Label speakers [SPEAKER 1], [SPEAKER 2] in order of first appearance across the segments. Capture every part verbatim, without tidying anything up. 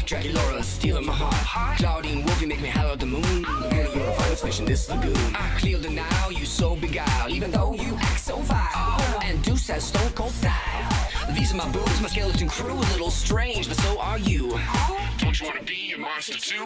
[SPEAKER 1] Dracula stealing my heart. Claudine Wolf, you make me holler at the moon. Girl, you're a finest fish in this lagoon. I clear the now, you so beguiled, even though you act so vile. And Deuce has stone cold style. These are my boobs, my skeleton crew, a little strange, but so are you. Don't you wanna be a monster too?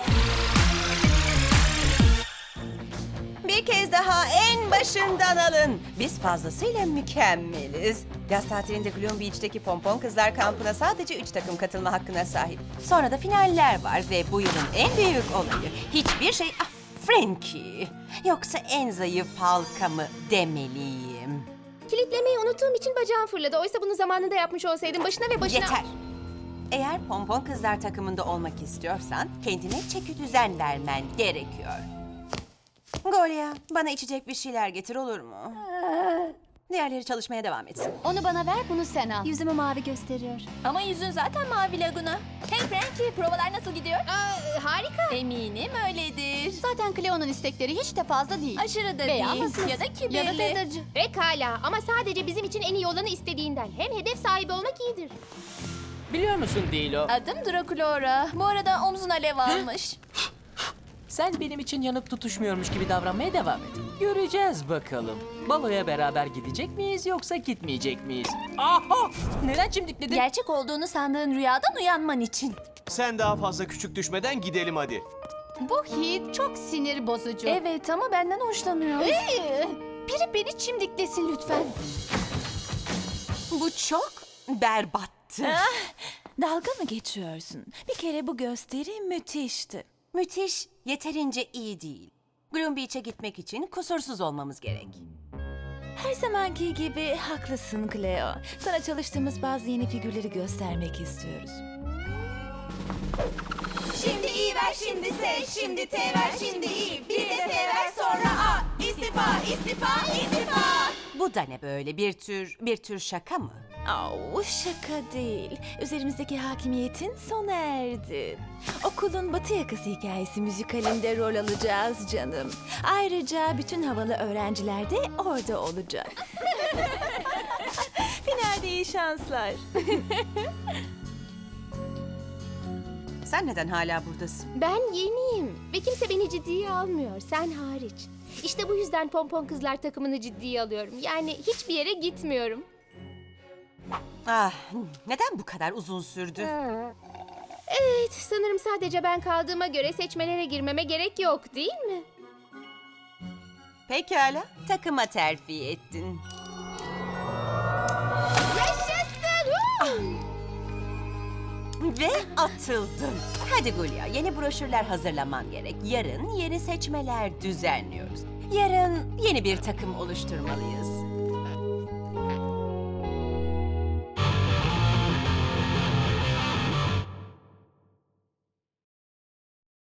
[SPEAKER 2] Bir kez daha en başından alın. Biz fazlasıyla mükemmeliz. Yaz tatilinde Gloom Beach'teki Pompon Kızlar kampına sadece üç takım katılma hakkına sahip. Sonra da finaller var ve bu yılın en büyük olayı. Hiçbir şey... Ah, Frankie. Yoksa en zayıf halka mı demeliyim?
[SPEAKER 3] Kilitlemeyi unuttuğum için bacağım fırladı. Oysa bunu zamanında yapmış olsaydım başına ve başına...
[SPEAKER 2] Yeter. Eğer Pompon Kızlar takımında olmak istiyorsan kendine çeki düzen vermen gerekiyor. Golia, bana içecek bir şeyler getir olur mu? Diğerleri çalışmaya devam etsin.
[SPEAKER 3] Onu bana ver, bunu sen al.
[SPEAKER 4] Yüzümü mavi gösteriyor. Ama yüzün zaten mavi Laguna. Hey Frankie, provalar nasıl gidiyor?
[SPEAKER 3] Aa, harika.
[SPEAKER 4] Eminim öyledir.
[SPEAKER 3] Zaten Cleo'nun istekleri hiç de fazla değil.
[SPEAKER 4] Aşırı da
[SPEAKER 3] Veya
[SPEAKER 4] değil.
[SPEAKER 3] hassas.
[SPEAKER 4] Ya da kibirli.
[SPEAKER 3] Ya da tadırcı. Pekala ama sadece bizim için en iyi olanı istediğinden. Hem hedef sahibi olmak iyidir.
[SPEAKER 5] Biliyor musun Dilo?
[SPEAKER 4] Adım Draculaura. Bu arada omzun alev almış.
[SPEAKER 5] Sen benim için yanıp tutuşmuyormuş gibi davranmaya devam et. Göreceğiz bakalım. Baloya beraber gidecek miyiz yoksa gitmeyecek miyiz? Aha! Neden çimdikledin?
[SPEAKER 4] Gerçek olduğunu sandığın rüyadan uyanman için.
[SPEAKER 6] Sen daha fazla küçük düşmeden gidelim hadi.
[SPEAKER 3] Bu hit çok sinir bozucu.
[SPEAKER 4] Evet ama benden hoşlanıyor.
[SPEAKER 3] Ee, biri beni çimdiklesin lütfen.
[SPEAKER 2] Bu çok berbattı.
[SPEAKER 7] Dalga mı geçiyorsun? Bir kere bu gösteri müthişti.
[SPEAKER 2] Müthiş, yeterince iyi değil. Gloom Beach'e gitmek için kusursuz olmamız gerek.
[SPEAKER 7] Her zamanki gibi haklısın Cleo. Sana çalıştığımız bazı yeni figürleri göstermek istiyoruz.
[SPEAKER 8] Şimdi iyi ver, şimdi S, şimdi T ver, şimdi İ. Bir de T ver, sonra A. İstifa, istifa, istifa.
[SPEAKER 2] Bu da ne böyle, bir tür bir tür şaka mı?
[SPEAKER 7] Au, şaka değil. Üzerimizdeki hakimiyetin sona erdi. Okulun Batı Yakası hikayesi müzikalinde rol alacağız canım. Ayrıca bütün havalı öğrenciler de orada olacak. Finalde iyi şanslar.
[SPEAKER 2] Sen neden hala buradasın?
[SPEAKER 3] Ben yeniyim ve kimse beni ciddiye almıyor, sen hariç. İşte bu yüzden Pompon Kızlar takımını ciddiye alıyorum. Yani hiçbir yere gitmiyorum.
[SPEAKER 2] Ah, neden bu kadar uzun sürdü?
[SPEAKER 3] Evet, sanırım sadece ben kaldığıma göre seçmelere girmeme gerek yok, değil mi?
[SPEAKER 2] Pekala, takıma terfi ettin.
[SPEAKER 3] Yaşasın!
[SPEAKER 2] Ve atıldın. Hadi Gulya, yeni broşürler hazırlaman gerek. Yarın yeni seçmeler düzenliyoruz. Yarın yeni bir takım oluşturmalıyız.